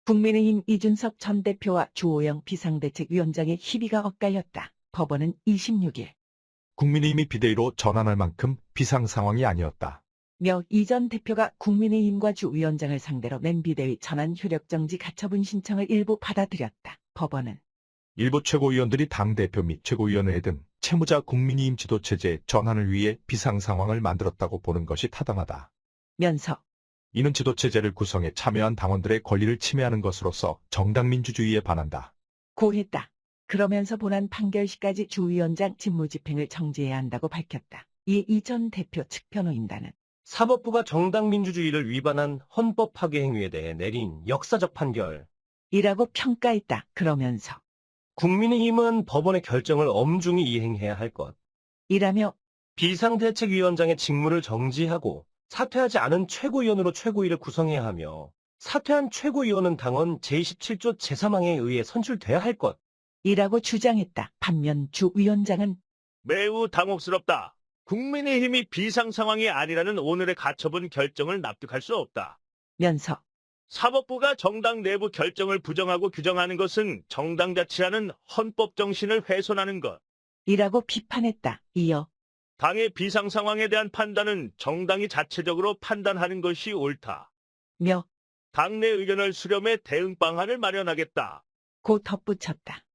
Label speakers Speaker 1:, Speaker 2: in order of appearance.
Speaker 1: 국민의힘 이준석 전 대표와 주호영 비상대책위원장의 희비가 엇갈렸다. 법원은 26일
Speaker 2: 국민의힘이 비대위로 전환할 만큼 비상 상황이 아니었다.
Speaker 1: 이 전 대표가 국민의힘과 주 위원장을 상대로 낸 비대위 전환 효력정지 가처분 신청을 일부 받아들였다. 법원은
Speaker 2: 일부 최고위원들이 당대표 및 최고위원회 등 채무자 국민의힘 지도체제 전환을 위해 비상 상황을 만들었다고 보는 것이 타당하다.
Speaker 1: 면서
Speaker 2: 이는 지도체제를 구성해 참여한 당원들의 권리를 침해하는 것으로서 정당민주주의에 반한다.
Speaker 1: 고했다. 그러면서 본안 판결 시까지 주 위원장 직무집행을 정지해야 한다고 밝혔다. 이에 이 전 대표 측 변호인단은
Speaker 3: 사법부가 정당민주주의를 위반한 헌법 파괴 행위에 대해 내린 역사적 판결.
Speaker 1: 이라고 평가했다. 그러면서
Speaker 3: 국민의힘은 법원의 결정을 엄중히 이행해야 할 것.
Speaker 1: 이라며
Speaker 3: 비상대책위원장의 직무를 정지하고 사퇴하지 않은 최고위원으로 최고위를 구성해야 하며 사퇴한 최고위원은 당원 제27조 제3항에 의해 선출돼야 할 것.
Speaker 1: 이라고 주장했다. 반면 주 위원장은
Speaker 4: 매우 당혹스럽다. 국민의힘이 비상 상황이 아니라는 오늘의 가처분 결정을 납득할 수 없다.
Speaker 1: 면서
Speaker 4: 사법부가 정당 내부 결정을 부정하고 규정하는 것은 정당 자치라는 헌법 정신을 훼손하는 것.
Speaker 1: 이라고 비판했다. 이어
Speaker 4: 당의 비상 상황에 대한 판단은 정당이 자체적으로 판단하는 것이 옳다.
Speaker 1: 며
Speaker 4: 당내 의견을 수렴해 대응 방안을 마련하겠다.
Speaker 1: 고 덧붙였다.